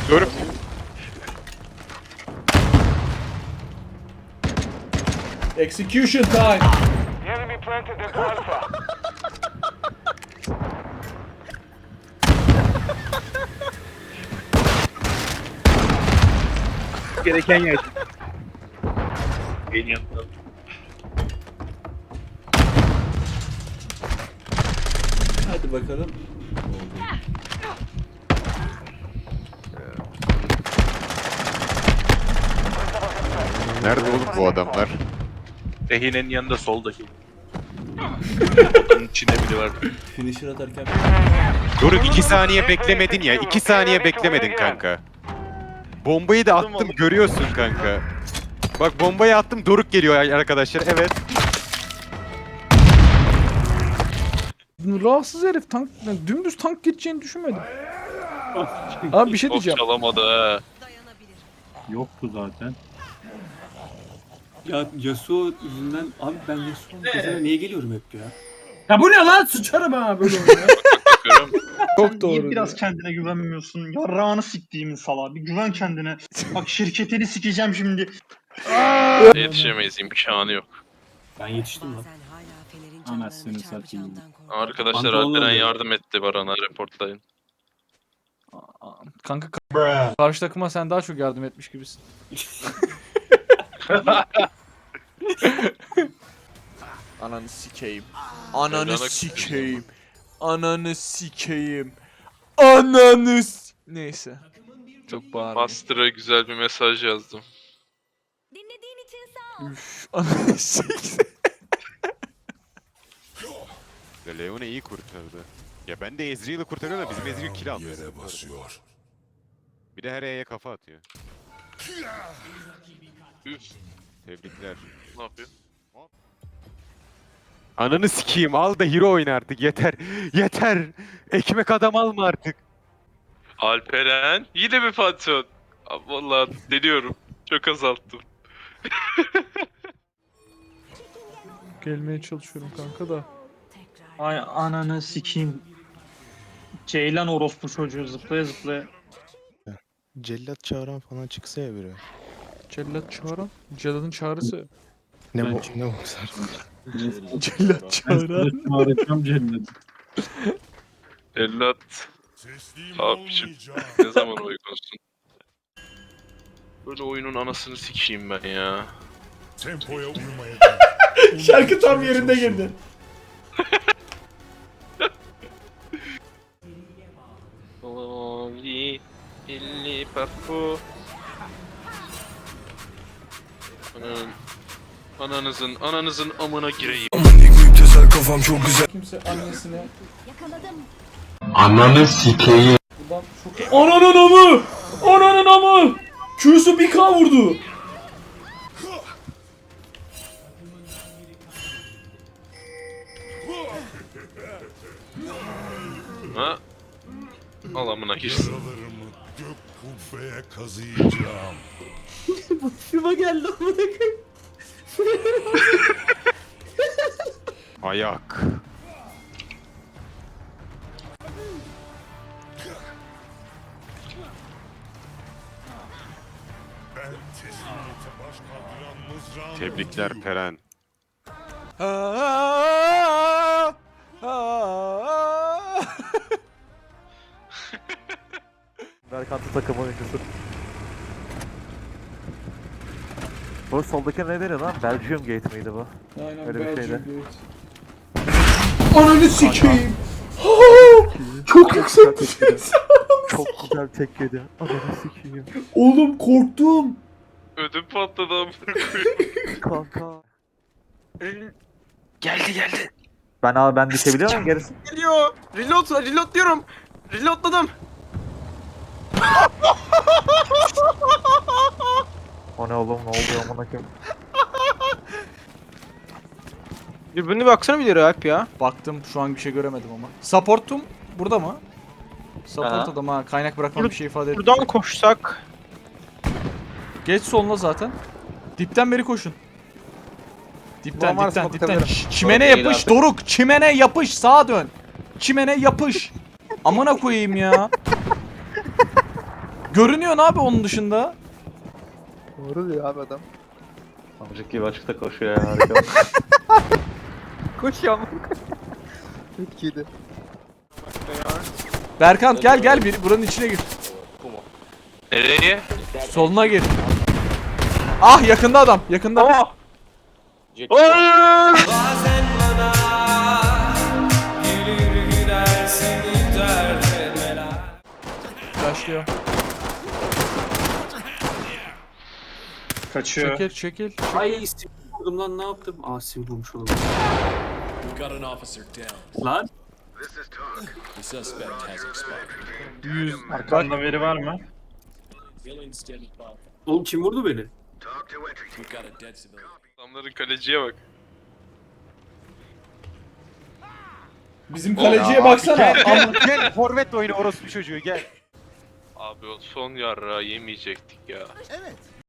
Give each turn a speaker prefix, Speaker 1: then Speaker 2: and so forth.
Speaker 1: Doruk.
Speaker 2: Execution time.
Speaker 3: The enemy planted their alpha.
Speaker 1: Gereken yer. En yanında.
Speaker 2: Hadi bakalım.
Speaker 1: Nerede oğlum bu adamlar?
Speaker 4: Rehinenin yanında soldaki. Onun içinde biri var.
Speaker 2: Finisher atarken
Speaker 1: Doruk 2 saniye beklemedin ya. 2 saniye beklemedin kanka. Bombayı da attım görüyorsun kanka. Bak bombayı attım Doruk geliyor arkadaşlar. Evet.
Speaker 5: Rahatsız herif tank, yani dümdüz tank geçeceğini düşünmedim. Abi bir şey
Speaker 4: Top
Speaker 5: diyeceğim.
Speaker 4: çalamadı ha.
Speaker 6: Yoktu zaten.
Speaker 7: Ya Yasuo yüzünden abi ben Yasuo'nun gözüne niye geliyorum hep ya?
Speaker 6: Ya bu ne lan? Sıçarım ha böyle oyuna.
Speaker 4: Bakıyorum.
Speaker 5: Çok
Speaker 8: Sen
Speaker 5: doğru.
Speaker 8: niye biraz
Speaker 5: diyor.
Speaker 8: kendine güvenmiyorsun? Yarrağını siktiğimin salağı. Bir güven kendine. Bak şirketini sikeceğim şimdi.
Speaker 4: Yetişemeyiz, imkanı yok.
Speaker 7: Ben yetiştim lan.
Speaker 6: Anasını satayım.
Speaker 4: Arkadaşlar
Speaker 7: Pantolonla
Speaker 4: Alperen
Speaker 7: oluyor.
Speaker 4: yardım etti Baran'a, reportlayın.
Speaker 5: Kanka karşı takıma sen daha çok yardım etmiş gibisin. Ananı sikeyim. Ananı
Speaker 4: Mevlana
Speaker 5: sikeyim. Ananı sikeyim. Ananı Neyse. Çok bağırma.
Speaker 4: Master'a güzel bir mesaj yazdım.
Speaker 9: Dinlediğin için sağ ol.
Speaker 5: Üf, ananı sikeyim.
Speaker 1: Leon'u iyi kurtardı. Ya ben de Ezreal'ı kurtarıyorum da bizim Ezreal kill aldı. Bir de her E'ye kafa atıyor.
Speaker 4: Üf,
Speaker 1: Tebrikler.
Speaker 4: ne yapıyor?
Speaker 1: Ananı sikeyim al da hero oyna artık yeter. Yeter. Ekmek adam alma artık.
Speaker 4: Alperen yine mi Pantheon? Abi vallahi deniyorum. Çok azalttım.
Speaker 5: Gelmeye çalışıyorum kanka da.
Speaker 8: Ay ananı sikeyim. Ceylan orospu çocuğu zıplaya zıplaya.
Speaker 10: Cellat çağıran falan çıksa ya biri.
Speaker 5: Cellat çağıran. Cellat'ın çağrısı.
Speaker 10: Ne
Speaker 6: Ben
Speaker 10: bu ne bokser.
Speaker 5: Cellat çağıran.
Speaker 6: Çağıracağım cennet.
Speaker 4: Ellat. Abicim ne zaman uygunsun? Böyle oyunun anasını sikeyim ben ya.
Speaker 3: Tempoya uymaya
Speaker 2: şarkı tam yerinde girdi.
Speaker 4: Oli, illi papu. Ananızın amına gireyim.
Speaker 2: Kimse annesine
Speaker 9: Yakaladım.
Speaker 2: buradan çok... Ananın amı! Ananın amı! Q'su bir K vurdu.
Speaker 4: Ha? Al amına girsin.
Speaker 3: yaralarımı gök kubbeye kazıyacağım.
Speaker 1: Ayak.
Speaker 3: Ben teslimiyete baş kaldıran mızrağımı
Speaker 1: Tebrikler
Speaker 3: vurayım.
Speaker 1: Peren.
Speaker 11: Berkant'ın takım oyuncusu. Bu soldaki ne deniyor lan? Belgium Gate miydi bu?
Speaker 2: Aynen
Speaker 11: Öyle bir
Speaker 2: Belgium
Speaker 11: şeydi.
Speaker 2: Gate. Ananı sikeyim. Çok yüksek bir ses.
Speaker 11: Çok güzel tek yedi. Adamı sikeyim.
Speaker 2: Oğlum korktum.
Speaker 4: Ödüm patladı amına koyayım.
Speaker 11: Kanka.
Speaker 7: Geldi.
Speaker 11: Ben düşebiliyor muyum gerisi?
Speaker 7: Geliyor. Reload diyorum. Reloadladım.
Speaker 11: O ne oğlum ne oluyor amına koyayım?
Speaker 7: Birbirine baksana bir Alp ya.
Speaker 5: Baktım şu an bir şey göremedim ama. Support'um burada mı? Support
Speaker 7: Aha.
Speaker 5: adam ha. Kaynak bırakmam bir şey ifade etmiyor.
Speaker 7: Buradan koşsak.
Speaker 5: Geç soluna zaten. Dipten beri koşun. Dipten
Speaker 7: Ulan varsa
Speaker 5: dipten dipten.
Speaker 7: bakabilirim.
Speaker 5: Çimene
Speaker 4: Doğru,
Speaker 5: yapış
Speaker 4: iyi
Speaker 5: Doruk. Çimene yapış sağa dön. Çimene yapış. Amına koyayım ya. Görünüyor abi onun dışında.
Speaker 10: Doğru diyor abi adam.
Speaker 11: Amcık gibi açıkta koşuyor ya harika.
Speaker 10: Koşuyor ama. Çok iyiydi.
Speaker 5: Berkant gel buranın içine gir.
Speaker 4: Nereye?
Speaker 5: Soluna gir. Ah yakında adam yakında. Başlıyor.
Speaker 8: Kaçıyor.
Speaker 5: Çekil.
Speaker 7: Ay sivil vurdum lan, ne yaptım? Aa sivil vurmuş oldum. Lan.
Speaker 8: Arkanda veri var mı?
Speaker 7: Oğlum kim vurdu beni?
Speaker 4: Adamların kaleciye bak.
Speaker 2: Bizim kaleciye baksana.
Speaker 1: Gel forvet oyunu orospu çocuğu gel.
Speaker 4: Abi o son yarrağı yemeyecektik ya.